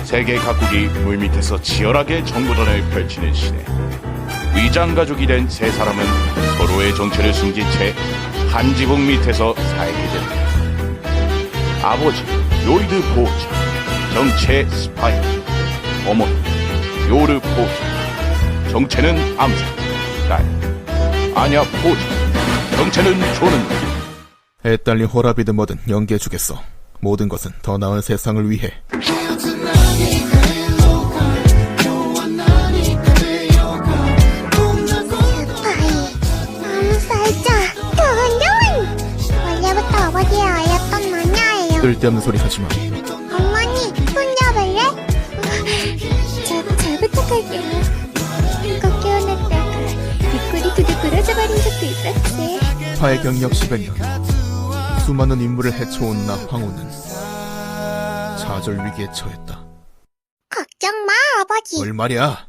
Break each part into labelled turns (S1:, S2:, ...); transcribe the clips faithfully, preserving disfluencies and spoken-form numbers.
S1: 세계 각국이 물밑에서 치열하게 정보전을 펼치는 시대. 위장가족이 된 세 사람은 서로의 정체를 숨긴 채 한 지붕 밑에서 살게 된다. 아버지 로이드 보호자, 정체 스파이. 어머니 요르 보호자, 정체는 암살. 딸 아냐 보호자, 정체는 조는.
S2: 애딸린 호라비드 뭐든 연기해주겠어. 모든 것은 더 나은 세상을 위해.
S3: 아버지의 아였던 마녀예요.
S2: 쓸데없는 소리 하지마.
S3: 어머니, 손잡을래? 잘, 잘 부탁할게요. 이거 깨어났다가 뒷골이 두둑 부러져 버린 적도 있었지.
S2: 파의 경력 십여 년. 수많은 인물을 해쳐온 나 황후는 좌절 위기에 처했다.
S3: 걱정 마, 아버지.
S2: 뭘 말이야?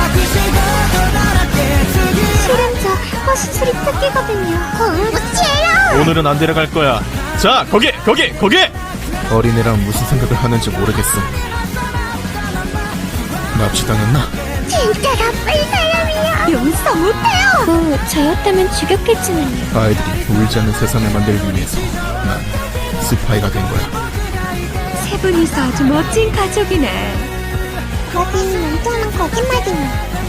S3: 실은 저 허수술이 특기거든요. 공부치예요.
S4: 오늘은 안 데려갈 거야. 자, 거기, 거기, 거기!
S2: 어린애랑 무슨 생각을 하는지 모르겠어. 납치당했나?
S3: 진짜 나쁜 사람이야. 용서 못해요. 뭐 저였다면 죽였겠지만요.
S2: 아이들이 울지 않는 세상을 만들기 위해서 난 스파이가 된 거야.
S5: 세 분이서 아주 멋진 가족이네.
S3: 거긴 멍청한 거짓말이네.